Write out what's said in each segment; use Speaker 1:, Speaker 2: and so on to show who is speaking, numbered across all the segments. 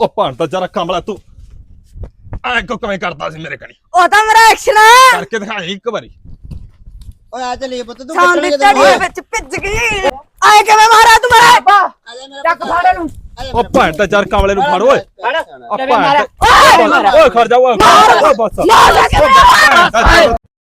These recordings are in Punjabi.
Speaker 1: ਉਹ ਭਣ ਤਾਂ ਜਰਾ ਕਮਲਾ ਤੂੰ ਐ ਕਿਵੇਂ ਕਰਦਾ ਸੀ ਮੇਰੇ ਕਣੀ
Speaker 2: ਉਹ ਤਾਂ ਮੇਰਾ ਐਕਸ਼ਨ ਆ
Speaker 1: ਕਰਕੇ ਦਿਖਾਈ ਇੱਕ ਵਾਰੀ।
Speaker 3: ਓਏ ਆ ਚੱਲੀਏ ਪੁੱਤ ਤੂੰ
Speaker 2: ਸਾਂਦੀ ਤੜੀ ਵਿੱਚ ਭਿੱਜ ਗਈ ਆਏ ਕਿਵੇਂ ਮਾਰਿਆ ਤੂੰ ਮੇਰੇ ਚੱਕ ਫਾੜੇ ਨੂੰ
Speaker 1: ਉਹ ਭਣ ਤਾਂ ਜਰ ਕਮਲੇ ਨੂੰ ਫੜ ਓਏ ਉਹ
Speaker 2: ਕਿਵੇਂ ਮਾਰਿਆ
Speaker 1: ਭਣ ਓਏ ਖੜ ਜਾ ਓਏ ਬਸ
Speaker 2: ਮਾਰ ਕਿਵੇਂ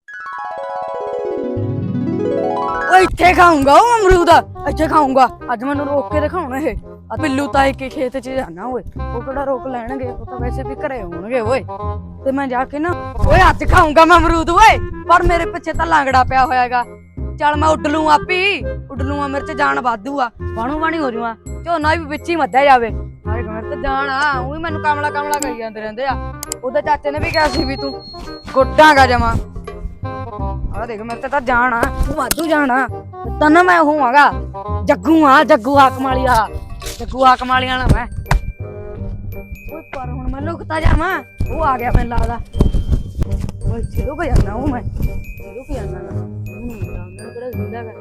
Speaker 2: ਓਏ ਇੱਥੇ ਖਾਊਂਗਾ ਉਹ ਅਮਰੂਦ ਇੱਥੇ ਖਾਊਂਗਾ ਅੱਜ ਮੈਨੂੰ ਰੋਕ ਕੇ ਦਿਖਾਉਣਾ ਇਹ ਆ ਬਿੱਲੂ ਤਾਏ ਕੇ ਖੇਤ 'ਚ ਜਾਣਾ ਓਏ ਉਹ ਕਿਹੜਾ ਰੋਕ ਲੈਣਗੇ ਉਹ ਤਾਂ ਵੈਸੇ ਵੀ ਘਰੇ ਹੋਣਗੇ ਓਏ ਤੇ ਮੈਂ ਜਾ ਕੇ ਨਾ ਓਏ ਅੱਜ ਖਾਊਂਗਾ ਮੈਂ ਅਮਰੂਦ ਓਏ ਪਰ ਮੇਰੇ ਪਿੱਛੇ ਤਾਂ ਲਾਂਗੜਾ ਪਿਆ ਹੋਇਆਗਾ ਚੱਲ ਮੈਂ ਉੱਡ ਲੂੰ ਆਪੀ ਉੱਡ ਲੂੰ ਮੇਰੇ 'ਚ ਜਾਨ ਵਾਧੂ ਆ ਬਾਣੂ ਬਾਣੀ ਹੋ ਜੂਆ ਝੋਨਾ ਵੀ ਵਿੱਚ ਹੀ ਮੱਧਿਆ ਜਾਵੇ ਹਾਏ ਮੇਰੇ ਤੇ ਜਾਨ ਆ ਉਹੀ ਮੈਨੂੰ ਕਮਲਾ ਕਮਲਾ ਕਹੀ ਜਾਂਦੇ ਰਹਿੰਦੇ ਆ ਉਹਦੇ ਚਾਚੇ ਨੇ ਵੀ ਕਿਹਾ ਸੀ ਵੀ ਤੂੰ ਗੋਡਾਂਗਾ ਜਮਾ ਆ ਦੇਖ ਮੇਰੇ ਤੇ ਤਾਂ ਜਾਣਾ ਤੂੰ ਵਾਧੂ ਜਾਣਾ ਤਾਂ ਨਾ ਮੈਂ ਹੋਵਾਂਗਾ ਜੱਗੂ ਹਾਕਮ ਵਾਲੀਆ ਜੱਗੂ ਹਾਕਮ ਵਾਲੀਆ ਨਾ ਮੈਂ ਓਏ ਪਰ ਹੁਣ ਮੈਂ ਲੁਕਤਾ ਜਾਵਾਂ ਉਹ ਆ ਗਿਆ ਮੈਨੂੰ ਲੱਗਦਾ ਓਏ ਚਲੋ ਗਿਆ ਨਾ ਉਹ ਮੈਂ ਰੁਕ ਜਾਣਾ ਨਾ ਉਹਨਾਂ ਕਿਹੜਾ ਜ਼ਿੰਦਾ ਹੈ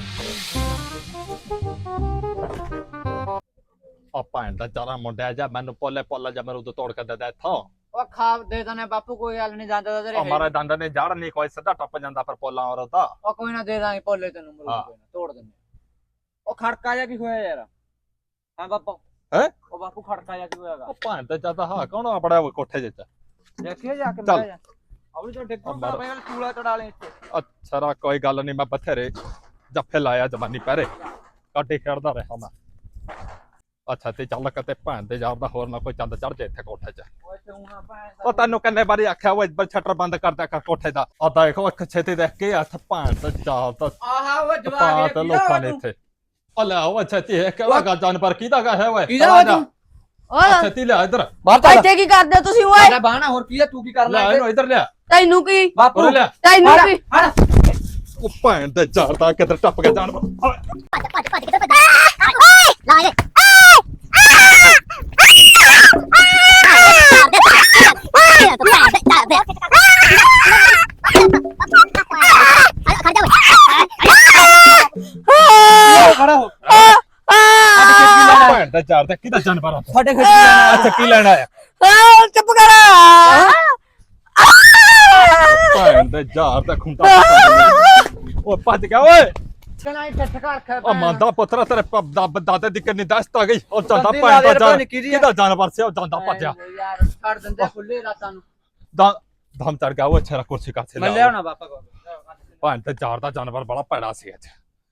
Speaker 1: ਆ ਭਣ ਦਾ ਚਾਰਾ ਮੁੰਡਿਆ ਜਾ ਮੈਨੂੰ ਪੋਲਾ ਜਾ ਮੈਨੂੰ ਤੋੜ ਕੇ ਦੇ ਇੱਥੋਂ
Speaker 3: ਉਹ ਖਾ ਦੇ ਦਨੇ ਬਾਪੂ ਕੋਈ ਗੱਲ ਨਹੀਂ ਜਾਂਦਾ ਤੇਰੇ
Speaker 1: ਹਮਾਰੇ ਦੰਦ ਨੇ ਜੜ ਨਹੀਂ ਕੋਈ ਸਿੱਧਾ ਟੱਪ ਜਾਂਦਾ ਪਰ ਪੋਲਾ ਔਰ ਤਾਂ
Speaker 3: ਉਹ ਕੋਈ ਨਾ ਦੇ ਦਾਂਗੇ ਪੋਲੇ ਤੈਨੂੰ ਮਰੂਦ ਕੋਈ ਨਾ ਤੋੜ ਦਿੰਦੇ ਉਹ ਖੜਕਾ ਜਾ ਕੀ ਹੋਇਆ ਯਾਰ ਹਾਂ ਬਾਪੂ
Speaker 1: ਹੈ
Speaker 3: ਉਹ ਬਾਪੂ ਖੜਕਾ ਜਾ ਕੀ ਹੋਇਆਗਾ
Speaker 1: ਉਹ ਭਣ ਤੇ ਚਾਹਤਾ ਹਾਂ ਕੌਣ ਆਪੜਾ ਕੋਠੇ ਜਿੱਚ
Speaker 3: ਦੇਖੀਏ ਜਾ ਕੇ
Speaker 1: ਚੱਲ।
Speaker 3: ਬਹਿ ਜਾ ਅਬਲੀ ਤੋਂ ਡਿੱਗੂਗਾ ਬਈ ਚੂਲਾ ਚੜਾ ਲੈ ਇੱਥੇ
Speaker 1: ਅੱਛਾ ਕੋਈ ਗੱਲ ਨਹੀਂ ਮੈਂ ਬਥੇਰੇ ਜੱਫੇ ਲਾਇਆ ਜਵਾਨੀ ਪਹਿਰੇ ਕਾਟੇ ਖੇਡਦਾ ਰਿਹਾ ਮੈਂ ਅੱਛਾ ਤੇ ਚੱਲ ਕਿਤੇ ਭੈਣ ਦੇ ਯਾਰ ਦਾ ਹੋਰ ਨਾ ਕੋਈ ਚੰਦ ਚੜ ਜਾ ਇੱਥੇ ਕੋਠੇ 'ਚ
Speaker 3: ਓਏ ਤੂੰ ਨਾ ਭੈਣ
Speaker 1: ਉਹ ਤੈਨੂੰ ਕਿੰਨੇ ਵਾਰੀ ਆਖਿਆ ਉਹ ਸ਼ਟਰ ਬੰਦ ਕਰ ਦਿਆ ਕਰ ਕੋਠੇ ਦਾ ਆ ਦੇਖੋ ਇੱਕ ਛੇਤੀ ਦੇਖ ਕੇ ਹੱਥ ਭੈਣ ਤੇ ਚਾਲ ਤਾਂ
Speaker 3: ਆਹਾ ਉਹ
Speaker 1: ਪਾ
Speaker 3: ਜਵਾਕ
Speaker 1: ਤੇ ਲੋਕਾਂ ਨੇ ਇੱਥੇ ਉਹ ਲੈ ਉਹ ਛੇਤੀ ਹੈ ਕਿਹੜਾ ਗਾ ਜਾਨਵਰ ਕਿਹਦਾ ਗਾ ਹੈ ਓਏ
Speaker 3: ਕਿਹਦਾ ਵਾ ਤੂੰ?
Speaker 2: ਓਏ
Speaker 1: ਛੇਤੀ ਲਿਆ ਇੱਧਰ
Speaker 2: ਇੱਥੇ ਕੀ ਕਰਦੇ ਤੁਸੀਂ ਓਏ
Speaker 3: ਲੈ ਬਾਣਾ ਹੋਰ ਕੀ ਆ ਤੂੰ ਕੀ ਕਰ
Speaker 1: ਲੈ ਇਹਨੂੰ ਇੱਧਰ ਲਿਆ
Speaker 2: ਤੈਨੂੰ ਕੀ
Speaker 3: ਬਾਪੂ
Speaker 1: ਉਰੇ ਲਿਆ
Speaker 2: ਤੈਨੂੰ ਕੀ
Speaker 3: ਹੜ
Speaker 1: ਉਹ ਭੈਣ ਤੇ ਝਾੜਦਾ ਕਿੱਧਰ ਟੱਪ ਗਿਆ ਜਾਨਵਰ
Speaker 3: ਖੜਾ ਹੋ
Speaker 1: ਭੈਣ ਤੇ ਝਾੜਦਾ ਕਿਹਦਾ ਜਾਨਵਰ ਆ
Speaker 3: ਸਾਡੇ ਖੇਤ ਜਾਣਾ
Speaker 1: ਅੱਛਾ ਕੀ ਲੈਣ ਆਇਆ
Speaker 2: ਚੁੱਪ ਕਰ
Speaker 1: ਭੈਣ ਤੇ ਝਾੜਦਾ ਖੁੰਟਾ ਉਹ ਭੱਜ ਗਿਆ ਓਏ
Speaker 3: ਚਣਾ ਇੱਥੇ ਘਰ ਖਾ
Speaker 1: ਉਹ ਮੰਦਾ ਪੁੱਤਰਾ ਤੇਰੇ ਦਾਦੇ ਦੀ ਕਿੰਨੀ ਦਸਤ ਆ ਗਈ ਉਹ ਜਾਂਦਾ
Speaker 3: ਦਾਦੀ
Speaker 1: ਭੈਣ
Speaker 3: ਦਾਦੇ
Speaker 1: ਦਾ
Speaker 3: ਪਤਾ ਨੀ ਕਿਹਦੀ ਆ।
Speaker 1: ਕਿਹਦਾ ਜਾਨਵਰ ਸੀ ਉਹ ਜਾਂਦਾ ਭੱਜਿਆ
Speaker 3: ਯਾਰ ਛੱਡ ਦਿੰਦੇ ਖੁੱਲੇ ਰਾਤਾਂ ਨੂੰ
Speaker 1: ਦਮ ਚੜ ਗਿਆ ਉਹ ਅੱਛਾ ਕੁਰਸੀ ਕਾਸੇ
Speaker 3: ਮੈਂ ਲਿਆਉਣਾ ਬਾਪਾ ਕੋਲ
Speaker 1: ਭੈਣ ਤੇ ਝਾੜਦਾ ਜਾਨਵਰ ਬੜਾ ਭੈੜਾ ਸੀ ਅੱਜ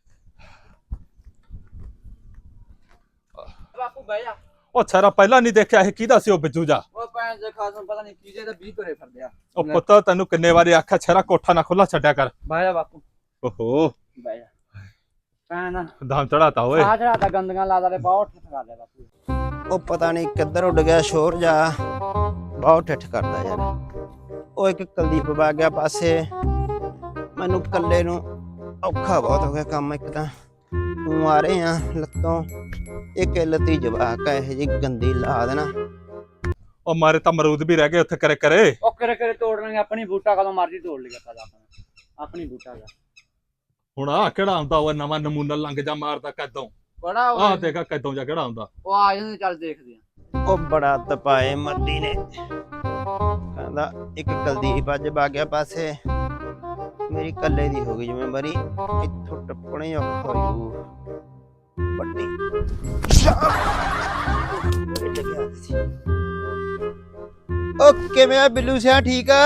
Speaker 3: ਬਾਪੂ ਬਹਿ ਜਾ
Speaker 1: ਉਹ ਛੇਰਾ ਪਹਿਲਾਂ ਨਹੀਂ ਦੇਖਿਆ ਇਹ ਕਿਹਦਾ ਸੀ ਉਹ ਬਿੱਜੂ ਜਾ
Speaker 3: ਉਹ ਭੈਣ ਦੇ ਖਾਸਮ ਪਤਾ ਨਹੀਂ ਕੀਜੇ ਦਾ 20 ਤੁਰੇ ਫਿਰਦੇ ਆ
Speaker 1: ਉਹ ਪੁੱਤ ਤੈਨੂੰ ਕਿੰਨੇ ਵਾਰੀ ਆਖਿਆ ਛੇਰਾ ਕੋਠਾ ਨਾ ਖੁੱਲਾ ਛੱਡਿਆ ਕਰ
Speaker 3: ਬਹਿ ਜਾ ਬਾਪੂ
Speaker 1: ਓਹੋ
Speaker 3: ਬਹਿ ਜਾ ਭੈਣ
Speaker 1: ਦਮ ਚੜਾਤਾ ਓਏ
Speaker 3: ਆ ਜਿਹੜਾ ਤਾਂ ਗੰਦੀਆਂ ਲਾ ਦੇ ਬਹੁਤ ਠੱਠ ਕਰ ਲਿਆ ਬਾਪੂ
Speaker 4: ਉਹ ਪਤਾ ਨਹੀਂ ਕਿੱਧਰ ਉੱਡ ਗਿਆ ਸ਼ੋਰ ਜਾ ਬਹੁਤ ਠੱਠ ਕਰਦਾ ਯਾਰ ਉਹ ਇੱਕ ਕੁਲਦੀਪ ਵਗ ਗਿਆ ਪਾਸੇ ਮੈਨੂੰ ਇਕੱਲੇ ਨੂੰ ਔਖਾ ਬਹੁਤ ਹੋ ਗਿਆ ਕੰਮ ਇੱਕ ਤਾਂ ਤੂੰ ਆ ਰਹੇ ਆ ਲੱਤੋਂ ਇੱਕ ਲੱਤੀ ਜਵਾਕ ਆ ਇਹ ਜੀ ਗੰਦੀ ਲਾ ਦੇਣਾ
Speaker 1: ਉਹ ਮਾਰੇ ਤਾਂ ਅਮਰੂਦ ਵੀ ਰਹਿ ਗਏ ਉੱਥੇ ਕਰੇ ਕਰੇ
Speaker 3: ਉਹ ਕਰੇ ਤੋੜ ਲਾਂਗੇ ਆਪਣੀ ਬੂਟਾ ਕਦੋਂ ਮਰਜੀ ਤੋੜ ਲਿਆ ਪਤਾ ਆਪਣੀ ਬੂਟਾ ਦਾ
Speaker 1: ਹੁਣ ਆ ਕਿਹੜਾ ਆਉਂਦਾ ਉਹ ਨਵਾਂ ਨਮੂਨਾ ਲੰਘ ਜਾ ਮਾਰਦਾ ਕਦੋਂ
Speaker 3: ਬੜਾ
Speaker 1: ਆਹ ਦੇਖਾ ਕਦੋਂ ਜਾ ਕਿਹੜਾ ਆਉਂਦਾ
Speaker 3: ਉਹ ਆ ਜਾਂਦੇ ਚੱਲ ਦੇਖਦੇ ਆ
Speaker 4: ਉਹ ਬੜਾ ਤਪਾਏ ਮੱਦੀ ਨੇ ਕਹਿੰਦਾ ਇੱਕ ਕੁਲਦੀਪ ਅੱਜ ਵਗ ਗਿਆ ਪਾਸੇ ਮੇਰੀ ਇਕੱਲੇ ਦੀ ਹੋ ਗਈ ਜ਼ਿੰਮੇਵਾਰੀ ਇੱਥੋਂ ਟੱਪਣੇ ਔਖਾ ਹੋ ਜੂ ਵੱਡੀ ਓ ਕਿਵੇਂ ਆ ਬਿੱਲੂ ਸਿਆ ਠੀਕ ਆ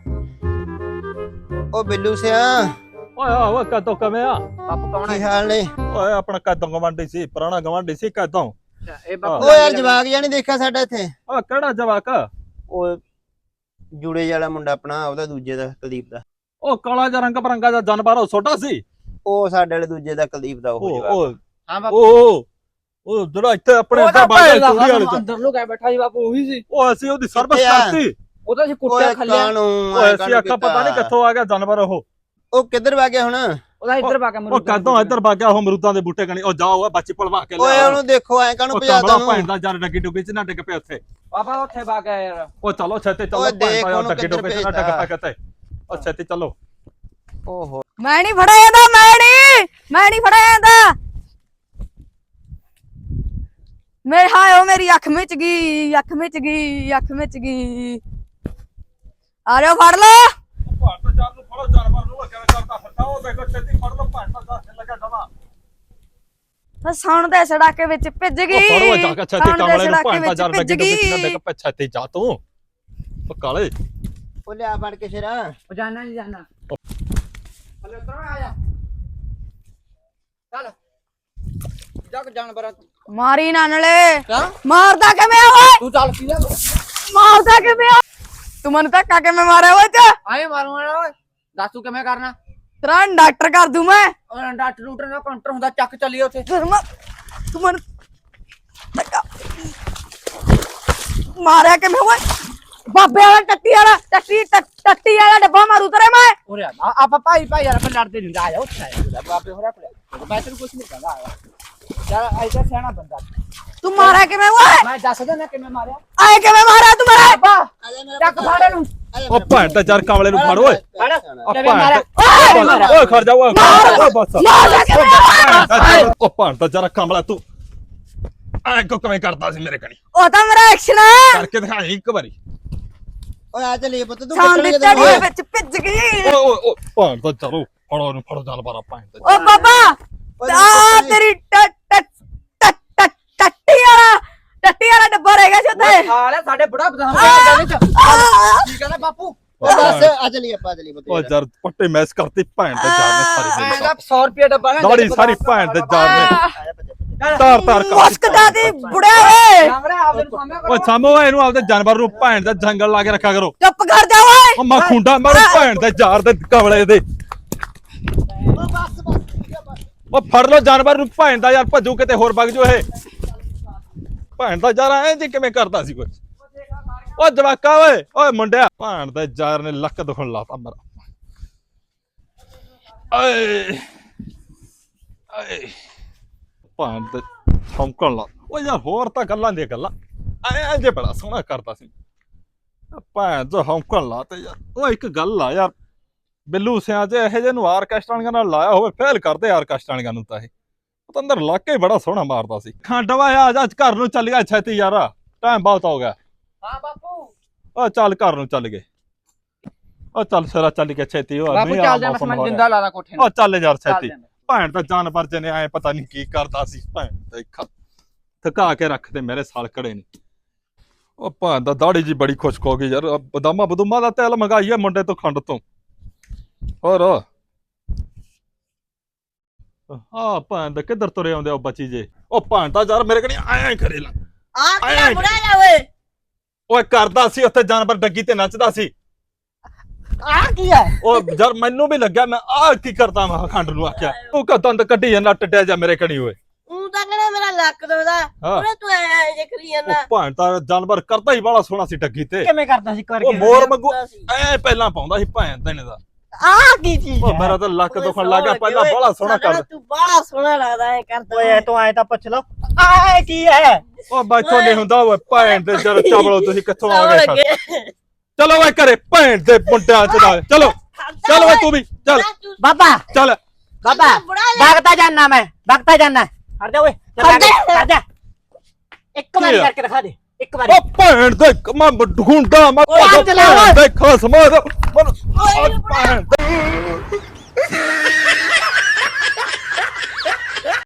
Speaker 4: ਓ ਬਿੱਲੂ ਸਿਆ
Speaker 1: ਓਏ ਓਏ ਕਦੋਂ ਕਵੇਂ ਆ
Speaker 3: ਬਾਪੂ ਕੌਣ
Speaker 4: ਕੀ ਹਾਲ ਨੇ
Speaker 1: ਓਏ ਆਪਣਾ ਕਦੋਂ ਗਵਾਂਢੀ ਸੀ ਪੁਰਾਣਾ ਗਵਾਂਢੀ ਸੀ ਕਦੋਂ
Speaker 3: ਇਹ ਬਾਪੂ
Speaker 4: ਓ ਯਾਰ ਜਵਾਕ ਜਾਂ ਨਹੀਂ ਦੇਖਿਆ ਸਾਡਾ ਇੱਥੇ
Speaker 1: ਓ ਕਿਹੜਾ ਜਵਾਕ
Speaker 4: ਉਹ ਜੁੜੇ ਵਾਲਾ ਮੁੰਡਾ ਆਪਣਾ ਉਹਦਾ ਦੂਜੇ ਦਾ ਕੁਲਦੀਪ ਦਾ
Speaker 1: ਉਹ ਕਾਲਾ ਜਿਹਾ ਰੰਗ ਬਰੰਗਾ ਦਾ ਜਾਨਵਰ ਉਹ ਛੋਟਾ ਸੀ
Speaker 4: ਉਹ ਸਾਡੇ ਵਾਲੇ ਦੂਜੇ ਦਾ ਕੁਲਦੀਪ ਦਾ ਉਹ ਜਵਾਕ
Speaker 1: ਉਹ
Speaker 3: ਹਾਂ ਬਾਪੂ
Speaker 1: ਉਹ ਜਿਹੜਾ ਇੱਥੇ ਆਪਣੇ ਇੱਥੇ ਬਾਹਰ ਚੂੜੀ ਵਾਲੇ ਚ
Speaker 3: ਅੰਦਰ ਲੁਕਾਇਆ ਬੈਠਾ ਸੀ ਬਾਪੂ ਉਹੀ ਸੀ
Speaker 1: ਉਹ ਅਸੀਂ ਉਹਦੀ ਸਰਵਿਸ
Speaker 4: ਕਿੱਥੇ ਆ?
Speaker 1: ਕਰਤੀ
Speaker 3: ਉਹ ਤਾਂ ਅਸੀਂ ਕੁੱਟਿਆ
Speaker 4: ਓਏ
Speaker 3: ਖੱਲਿਆ
Speaker 4: ਕਾਨੂੰ
Speaker 1: ਓਏ ਅਸੀਂ ਅੱਖਾਂ ਪਤਾ ਨਹੀਂ ਕਿੱਥੋਂ ਆ ਗਿਆ ਜਾਨਵਰ
Speaker 4: ਉਹ ਕਿੱਧਰ ਵਗ ਗਿਆ ਹੁਣ
Speaker 3: ਉਹਦਾ ਇੱਧਰ ਪਾ ਕੇ
Speaker 1: ਉਹ ਕਦੋਂ ਇੱਧਰ ਵਗ ਗਿਆ ਉਹ ਅਮਰੂਦਾਂ ਦੇ ਬੂਟੇ ਕਣੀ ਉਹ ਜਾਓ ਓਏ ਬੱਚੀ ਪਲਵਾ ਕੇ
Speaker 4: ਓਏ ਉਹਨੂੰ ਦੇਖੋ ਐ ਕਾਨੂੰ
Speaker 1: ਉਹ
Speaker 4: ਭਜਾ
Speaker 1: ਕਮਲਾ
Speaker 4: ਤਾ
Speaker 1: ਭੈਣ ਦਾ ਜਰ ਡੱਗੀ ਡੁੱਗੀ ਚ ਨਾ ਡਿੱਗ ਪਿਆ ਉੱਥੇ
Speaker 3: ਪਾਪਾ ਉੱਥੇ ਪਾ ਕੇ ਯਾਰ
Speaker 1: ਉਹ ਚਲੋ ਛੇਤੀ ਚਲੋ
Speaker 4: ਓਏ
Speaker 1: ਭੈਣ
Speaker 4: ਦੇਖ
Speaker 1: ਦਾ
Speaker 4: ਉਹਨੂੰ
Speaker 1: ਡੱਗੀ
Speaker 4: ਕਿੱਧਰ
Speaker 1: ਡੁੱਗੀ ਚ ਨਾ ਡਿੱਗ ਪਿਆ ਕਿਤੇ ਉਹ ਛੇਤੀ ਚਲੋ
Speaker 4: ਓਹੋ
Speaker 2: ਮੈਂ ਨਹੀਂ ਫੜਿਆ ਜਾਂਦਾ ਮੈਂ ਨਹੀਂ ਫੜਿਆ ਜਾਂਦਾ ਮੇਰੇ ਹਾਏ ਓ ਮੇਰੀ ਅੱਖ ਮਿਚ ਗਈ, ਅੱਖ ਮਿਚ ਗਈ, ਅੱਖ ਮਿਚ ਗਈ। ਆ ਜਾਓ ਫੜ ਲਓ।
Speaker 1: ਭਾਂਤ ਜਾਨ ਨੂੰ ਫੜੋ, ਜਾਨਵਰ ਨੂੰ ਕਿਵੇਂ ਕਰਦਾ ਫਿਰਦਾ, ਉਹ ਦੇਖੋ ਛੇਤੀ ਫੜ ਲਓ, ਭਾਂਤ ਦਾ ਲੱਗਾ ਜਮਾ।
Speaker 2: ਸੌਣ ਦੇ ਸੜਾਕੇ ਵਿੱਚ ਭਿੱਜ ਗਈ।
Speaker 1: ਫੜੋ ਜਾ ਕੇ ਛੇਤੀ
Speaker 2: ਸੌਣ ਦੇ
Speaker 1: ਕਮਲੇ ਨੂੰ
Speaker 2: ਸੜਾਕੇ
Speaker 1: ਭਾਂਤ
Speaker 2: ਵਿੱਚ
Speaker 1: ਜਾਨ
Speaker 2: ਭਿੱਜ
Speaker 1: ਲੱਗੇ ਤੇ
Speaker 2: ਗਈ।
Speaker 1: ਦੇਖ ਪੈ ਛੇਤੀ ਜਾ ਤੂੰ। ਉਹ ਕਾਲੇ
Speaker 4: ਉਹ ਲਿਆ ਫੜ ਕੇ ਸ਼ੇਰਾ।
Speaker 3: ਉਹ ਜਾਣਾ ਨਹੀਂ ਜਾਣਾ ਹਲੇ ਉਤਰੋ ਆ ਜਾ ਚੱਲ ਜਾ ਕੇ ਜਾਨਵਰਾਂ ਤੂੰ
Speaker 2: ਮਾਰੀ ਨਾਨਲੇ।
Speaker 3: ਕਿਆ
Speaker 2: ਮਾਰਦਾ ਕਿਵੇਂ ਆ ਓਏ?
Speaker 3: ਤੂੰ ਚੱਲ ਪੀਲਾ
Speaker 2: ਮਾਰਦਾ ਕਿਵੇਂ ਆ? ਤੂੰ ਮੈਨੂੰ ਧੱਕਾ ਕਿਵੇਂ ਮਾਰਿਆ ਓਏ ਤੇ?
Speaker 3: ਆਏ ਮਾਰੂੰਗਾ ਓਏ ਦੱਸ ਤੂੰ ਕਿਵੇਂ ਕਰਨਾ
Speaker 2: ਤੇਰਾ ਡਾਕਟਰ ਕਰ ਦੂੰ ਮੈਂ।
Speaker 3: ਉਹ ਡਾਕਟਰ ਲੂਟਰ ਦਾ ਕਾਊਂਟਰ ਹੁੰਦਾ ਚੱਕ ਚੱਲੀਏ ਉੱਥੇ
Speaker 2: ਤੂੰ ਮੈਨੂੰ ਧੱਕਾ ਮਾਰਿਆ ਕਿਵੇਂ ਓਏ? ਬਾਬੇ ਵਾਲਾ ਟੱਟੀ ਵਾਲਾ ਡੱਬਾ ਮਾਰੂ ਤੇਰੇ ਮੈਂ।
Speaker 3: ਉਰੇ ਆ ਆਪਾਂ ਭਾਈ ਯਾਰ ਆਪਾਂ ਲੜਦੇ ਨਹੀਂ ਆ ਜਾ ਉੱਥੇ ਆ ਜਾ ਬਾਬੇ ਹੋਰਾ ਕੋਲ ਮੈਂ ਤੈਨੂੰ ਕੁਝ ਨਹੀਂ ਕਹਿੰਦਾ ਆ ਯਾਰ ਐਸਾ ਸਿਆਣਾ ਬੰਦਾ
Speaker 2: ਤੂੰ ਮਾਰਿਆ ਕਿਵੇਂ ਓਏ?
Speaker 3: ਮੈਂ ਦੱਸ ਦਿੰਦਾ ਕਿਵੇਂ ਮਾਰਿਆ
Speaker 2: ਆਏ ਕਿਵੇਂ ਮਾਰਿਆ ਤੂੰ ਮੇਰੇ?
Speaker 3: ਚੱਕ ਫਾੜੇ ਨੂੰ
Speaker 1: ਉਹ ਭਾਂਤ ਯਾਰ ਕਮਲੇ ਨੂੰ ਫੜ ਓਏ।
Speaker 3: ਫੜ
Speaker 1: ਉਹ
Speaker 3: ਕਿਵੇਂ ਮਾਰਿਆ
Speaker 1: ਭਾਂਤ ਓਏ ਖੜ ਜਾ ਓਏ ਬਸ।
Speaker 2: ਮਾਰਿਆ ਕਿਵੇਂ?
Speaker 1: ਉਹ ਭਾਂਤ ਯਾਰ ਕਮਲਾ ਤੂੰ ਐ ਕਿਵੇਂ ਕਰਦਾ ਸੀ ਮੇਰੇ ਕਣੀ?
Speaker 2: ਉਹ ਤਾਂ ਮੇਰਾ ਐਕਸ਼ਨ ਹੈ।
Speaker 1: ਕਰਕੇ ਦਿਖਾਈ ਇੱਕ ਵਾਰੀ।
Speaker 4: ਓਏ ਆ ਚੱਲੀਏ ਪੁੱਤ ਤੂੰ
Speaker 2: ਸਾਂ ਦੀ
Speaker 4: ਕੱਟਣੀ
Speaker 2: ਟੜੀ ਵਿੱਚ ਭਿੱਜ ਗਈ।
Speaker 1: ਓਏ ਭਾਂਤ ਚਲੋ ਫੜੋ ਨੂੰ ਫੜੋ ਜਾਨਵਰਾਂ ਭਾਂਤ।
Speaker 2: ਓ ਬਾਬਾ ਆ ਤੇਰੀ ਟੱਟੀ ਵਾਲਾ ਡੱਬਾ ਰਹਿ ਗਿਆ ਸੀ ਉੱਥੇ।
Speaker 3: ਹਾਲੇ ਸਾਡੇ ਬੁੜਾ ਬਦਾਮ ਦੇ ਵਿੱਚ ਕੀ ਕਹਿੰਦਾ ਬਾਪੂ
Speaker 4: ਓ ਬਸ ਆ ਚੱਲੀਏ ਆਪਾਂ ਚੱਲੀਏ ਪੁੱਤ
Speaker 1: ਉਹ ਯਾਰ ਪੱਟੇ ਮੈਸ ਕਰਤੀ ਭੈਣ ਦੇ ਜਾਨ ਨੇ ਸਾਰੀ
Speaker 3: ਮੈਂ
Speaker 1: ਦਿਨ।
Speaker 3: 100 ਰੁਪਏ ਡੱਬਾ ਨਾ
Speaker 1: ਦਾੜੀ ਸਾਰੀ ਭੈਣ ਦੇ ਜਾਨ ਨੇ ਤਾਰ ਤਾਰ ਕਰ
Speaker 2: ਮੁਸਕਦਾ ਦੀ ਬੁੜਿਆ ਓਏ।
Speaker 3: ਸਾਹਮਣੇ ਆਪਦੇ ਨੂੰ ਸਾਹਮਣੇ
Speaker 1: ਓਏ ਸਾਮੋ ਇਹਨੂੰ ਆਪਦੇ ਜਾਨਵਰ ਨੂੰ ਭੈਣ ਦਾ ਜੰਗਲ ਲਾ ਕੇ ਰੱਖਿਆ ਕਰੋ।
Speaker 2: ਚੁੱਪ ਕਰ ਜਾ ਓਏ।
Speaker 1: ਉਹ ਮੈਂ ਖੁੰਡਾ ਮਾਰੂ ਭੈਣ ਦੇ ਯਾਰ ਦੇ ਕਮਲੇ ਦੇ।
Speaker 4: ਓ ਬਸ
Speaker 1: ਉਹ ਫੜ ਲੋ ਜਾਨਵਰ ਨੂੰ ਭੈਣ ਦਾ ਯਾਰ ਭੱਜੂ ਕਿਤੇ ਹੋਰ ਵਗ ਜੋ ਇਹ ਭੈਣ ਦਾ ਯਾਰ ਐਂ ਜੀ ਕਿਵੇਂ ਕਰਦਾ ਸੀ ਕੋਈ। ਓ ਜਵਾਕਾ ਓਏ ਮੁੰਡਿਆ ਭੈਣ ਦੇ ਯਾਰ ਨੇ ਲੱਕ ਦੁਖਣ ਲਾਤਾ ਮੇਰਾ। ਓਏ ਓਏ ਭੈਣ ਦੇ ਛੌਂਕਣ ਲਾ। ਓ ਯਾਰ ਹੋਰ ਤਾਂ ਗੱਲਾਂ ਦੀਆਂ ਗੱਲਾਂ ਐਂ ਜੇ ਬੜਾ ਸੋਹਣਾ ਕਰਦਾ ਸੀ ਭੈਣ ਜੋ ਹੌਂਕਣ ਲਾ ਤੇ ਯਾਰ। ਉਹ ਇੱਕ ਗੱਲ ਆ ਯਾਰ ਬਿੱਲੂ ਸਿਆਂ ਚ ਇਹੋ ਜਿਹੇ ਨੂੰ ਆਰਕੈਸਟਰਾ ਨਾਲ ਲਾਇਆ ਹੋਵੇ ਫੇਲ ਕਰਦੇ ਆਰਕੈਸਟਰਾ ਨੂੰ ਤਾਂ ਇਹ ਤਾਂ ਅੰਦਰ ਲੱਕ ਹੀ ਬੜਾ ਸੋਹਣਾ ਮਾਰਦਾ ਸੀ। ਖੰਡਵਾ ਆ ਜਾ ਘਰ ਨੂੰ ਚੱਲ ਗਿਆ ਛੇਤੀ ਯਾਰ ਟਾਈਮ ਬਹੁਤ ਹੋ ਗਿਆ।
Speaker 3: ਹਾਂ ਬਾਪੂ
Speaker 1: ਆ ਚੱਲ ਘਰ ਨੂੰ ਚੱਲ ਗਏ। ਆ ਚੱਲ ਸਰਾ ਚੱਲ ਗਿਆ ਛੇਤੀ। ਉਹ
Speaker 3: ਬਾਪੂ ਚੱਲ ਜਾ ਮੈਂ ਜਿੰਦਾ ਲਾ ਲਾ ਕੋਠੇ ਨੂੰ।
Speaker 1: ਆ ਚੱਲ ਯਾਰ ਛੇਤੀ।
Speaker 3: ਚੱਲ
Speaker 1: ਭੈਣ ਤਾਂ ਜਾਨਵਰ ਜਨੇ ਆਏ ਪਤਾ ਨਹੀਂ ਕੀ ਕਰਦਾ ਸੀ ਭੈਣ ਦੇਖਾ ਥਕਾ ਕੇ ਰੱਖਦੇ ਮੇਰੇ ਸਾਲ ਕੜੇ ਨੇ। ਉਹ ਭੈਣ ਦਾ ਦਾੜੀ ਜੀ ਬੜੀ ਖੁਸ਼ਕ ਹੋ ਗਈ ਯਾਰ। ਬਦਾਮਾ ਬਦੂਮਾ ਦਾ ਤੇਲ ਮੰਗਾਈਏ ਮੁੰਡੇ ਤੋਂ ਖੰਡ ਤੋਂ। ਹੋਰ ਆ ਭੈਣ ਦਾ ਕਿੱਧਰ ਤੁਰੇ ਆਉਂਦੇ ਉਹ ਬੱਚੀ ਜੇ। ਉਹ ਭੈਣ ਤਾਂ ਯਾਰ ਮੇਰੇ ਕਣੀ ਐਂ ਕਰੇ ਲਾ
Speaker 2: ਆ ਕੀ ਬੁੜਾ ਜਾ ਓਏ?
Speaker 1: ਓਏ ਕਰਦਾ ਸੀ ਉੱਥੇ ਜਾਨਵਰ ਡੱਗੀ ਤੇ ਨੱਚਦਾ ਸੀ।
Speaker 2: ਆ ਕੀ ਹੈ?
Speaker 1: ਉਹ ਯਾਰ ਮੈਨੂੰ ਵੀ ਲੱਗਿਆ ਮੈਂ ਆ ਕੀ ਕਰਦਾ ਮੈਂ ਖੰਡ ਨੂੰ ਆਖਿਆ ਤੂੰ ਕਾ ਦੰਦ ਕੱਢੀ ਜਾਂਦਾ ਟੱਟਿਆ ਜਾ ਮੇਰੇ ਕਣੀ ਓਏ।
Speaker 2: ਤੂੰ ਤਾਂ ਕਹਿੰਦਾ ਮੇਰਾ ਲੱਕ ਦੁਖਦਾ ਉਹਨੇ ਤੂੰ ਐ ਜੇ ਕਰੀ
Speaker 1: ਉਹ
Speaker 2: ਜਾਂਦਾ।
Speaker 1: ਭੈਣ ਤਾਂ ਜਾਨਵਰ ਕਰਦਾ ਹੀ ਬੜਾ ਸੋਹਣਾ ਸੀ ਡੱਗੀ ਤੇ।
Speaker 3: ਕਿਵੇਂ ਕਰਦਾ ਸੀ
Speaker 1: ਉਹ ਮੋਰ ਮੰਗੂ ਐ ਪਹਿਲਾਂ ਪਾਉਂਦਾ ਸੀ ਭੈਣ ਦੇਣੇ ਦਾ।
Speaker 2: ਆ ਕੀ ਚੀਜ਼
Speaker 1: ਉਹ ਮੇਰਾ ਤਾਂ ਲੱਕ ਦੁਖਣ ਲੱਗਾ ਪਹਿਲਾਂ ਬੜਾ ਸੋਹਣਾ ਕਰਦਾ।
Speaker 2: ਤੂੰ ਬੜਾ ਸੋਹਣਾ ਲੱਗਦਾ ਐ ਕਰਦਾ।
Speaker 3: ਓਏ ਤੂੰ ਆਏ ਤਾਂ ਪੁੱਛ ਲਓ ਆ ਕੀ ਹੈ।
Speaker 1: ਉਹ ਬੈਠੋ ਨਹੀਂ ਹੁੰਦਾ ਓਏ ਭੈਣ ਦੇ ਜਰ ਚਾਵਲੋ ਤੁਸੀਂ ਕਿੱਥੋਂ ਆ ਗਏ। ਚਲੋ ਓਏ ਘਰੇ ਭੈਣ ਦੇ ਮੁੰਡਿਆਂ ਚ ਨਾਲ ਚਲੋ ਚਲ ਓਏ ਤੂੰ ਵੀ ਚੱਲ
Speaker 3: ਬਾਬਾ
Speaker 1: ਚੱਲ।
Speaker 3: ਬਾਬਾ ਭਗਤਾ ਜਾਨਾ ਮੈਂ ਭਗਤਾ ਜਾਨਾ ਹਟ ਜਾ ਓਏ ਹਟ ਜਾ ਇੱਕ ਵਾਰੀ ਕਰਕੇ ਦਿਖਾ ਦੇ ਇੱਕ ਵਾਰੀ।
Speaker 1: ਉਹ ਭੈਣ ਦੇ ਮੈਂ ਢੂੰਡਾ ਮੈਂ
Speaker 3: ਓਏ ਚਲਾ ਓਏ।
Speaker 1: ਦੇਖੋ ਸਮਾਦ ਭੈਣ